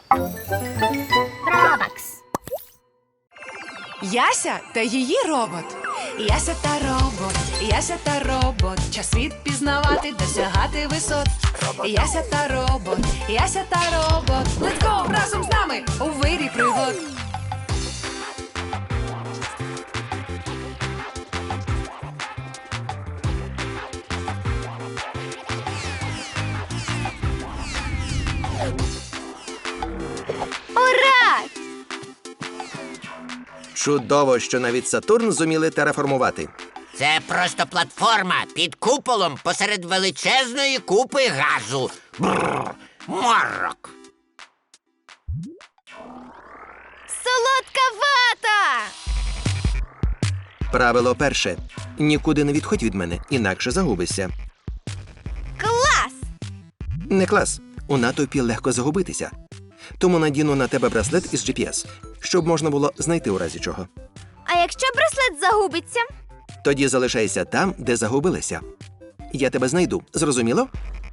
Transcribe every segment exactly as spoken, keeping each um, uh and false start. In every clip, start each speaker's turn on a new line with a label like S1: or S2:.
S1: Робакс.
S2: Яся та її робот. Яся та робот, Яся та робот. Час світ пізнавати, досягати висот. Яся та робот, Яся та робот. Let's go! Разом з нами у вирі пригод.
S1: Ура!
S3: Чудово, що навіть Сатурн зуміли тераформувати.
S4: Це просто платформа під куполом посеред величезної купи газу. Бррр, морок.
S1: Солодка вата!
S3: Правило перше. Нікуди не відходь від мене, інакше загубишся.
S1: Клас!
S3: Не клас. У натовпі легко загубитися. Тому надіну на тебе браслет із джі пі ес, щоб можна було знайти у разі чого.
S1: А якщо браслет загубиться?
S3: Тоді залишайся там, де загубилися. Я тебе знайду. Зрозуміло?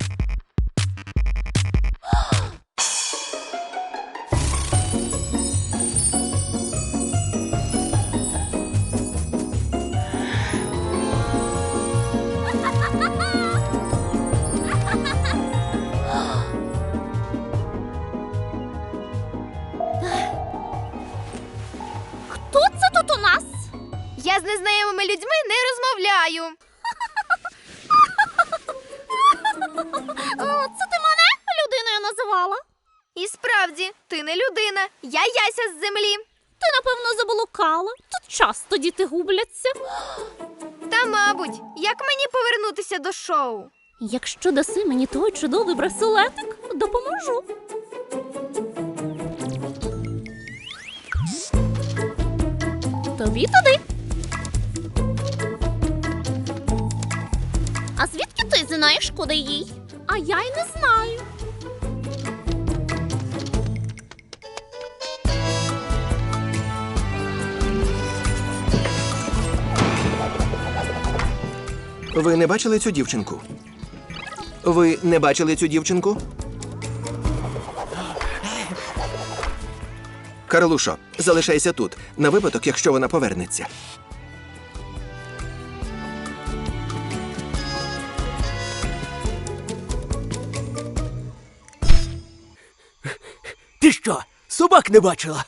S1: Хто це тут у нас? Я з незнайомими людьми не розмовляю. Це ти мене людиною називала? І справді, ти не людина. Я Яся з землі.
S5: Ти, напевно, заблукала. Тут часто діти губляться.
S1: Та, мабуть, як мені повернутися до шоу?
S5: Якщо даси мені той чудовий браслетик, допоможу. Тобі туди. А звідки ти знаєш, куди їй? А я й не знаю.
S3: Ви не бачили цю дівчинку? Ви не бачили цю дівчинку? Карлушо, залишайся тут, на випадок, якщо вона повернеться.
S6: Ти що, собак не бачила?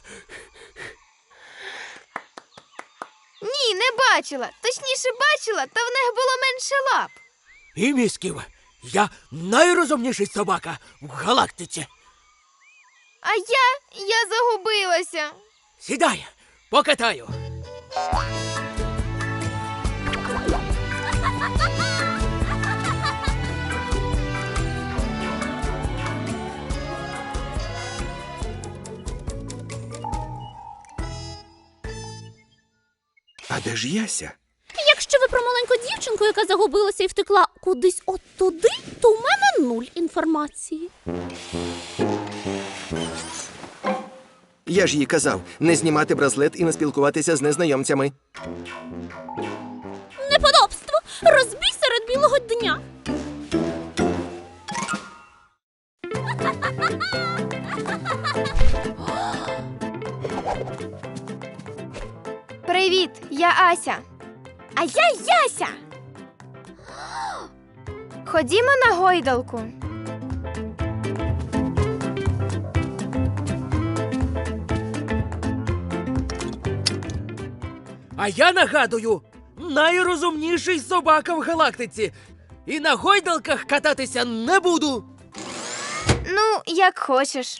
S1: Ні, не бачила. Точніше, бачила, та в них було менше лап.
S6: І місків. Я найрозумніший собака в галактиці.
S1: А я, я загубилася.
S6: Сідай, покатаю.
S3: А де ж Яся?
S5: Якщо ви про маленьку дівчинку, яка загубилася і втекла кудись от туди, то у мене нуль інформації.
S3: Я ж їй казав, не знімати браслет і не спілкуватися з незнайомцями.
S5: Неподобство! Розбій серед білого дня!
S1: Привіт, я Ася. А я Яся. Ходімо на гойдалку.
S6: А я нагадую, найрозумніший собака в галактиці. І на гойдалках кататися не буду.
S1: Ну, як хочеш.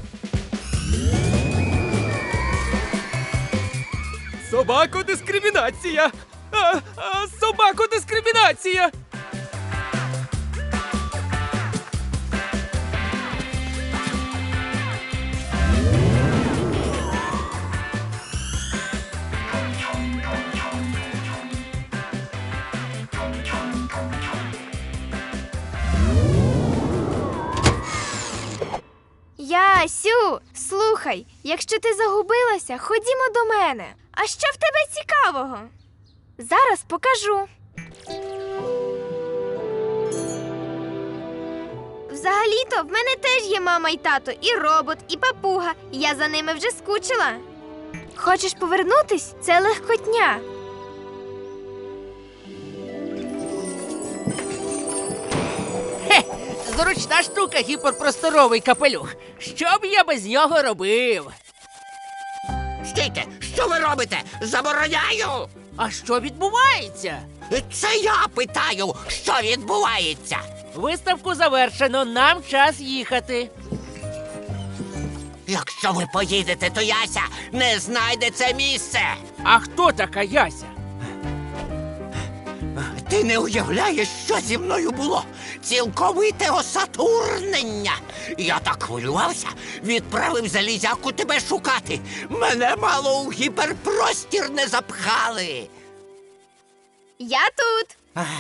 S6: Собако-дискримінація! А, а, собако-дискримінація!
S1: Ясю, слухай, якщо ти загубилася, ходімо до мене. А що в тебе цікавого? Зараз покажу. Взагалі-то в мене теж є мама і тато, і робот, і папуга. Я за ними вже скучила. Хочеш повернутись? Це легкотня.
S6: Хе, зручна штука гіперпросторовий капелюх. Що б я без нього робив?
S4: Стійте, що ви робите? Забороняю!
S6: А що відбувається?
S4: Це я питаю, що відбувається.
S6: Виставку завершено, нам час їхати.
S4: Якщо ви поїдете, то Яся не знайде це місце.
S6: А хто така Яся?
S4: Ти не уявляєш, що зі мною було? Цілковите осатурнення. Я так хвилювався, відправив залізяку тебе шукати. Мене мало у гіперпростір не запхали.
S1: Я тут.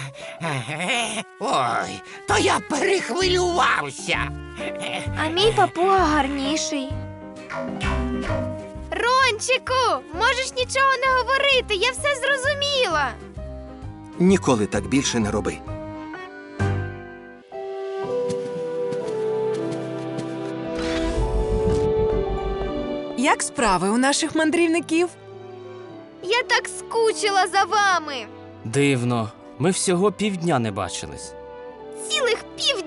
S4: Ой, то я перехвилювався.
S1: А мій папуга гарніший. Рончику, можеш нічого не говорити, я все зрозуміла.
S3: Ніколи так більше не роби.
S2: Як справи у наших мандрівників?
S1: Я так скучила за вами.
S7: Дивно, ми всього півдня не бачились.
S1: Цілих пів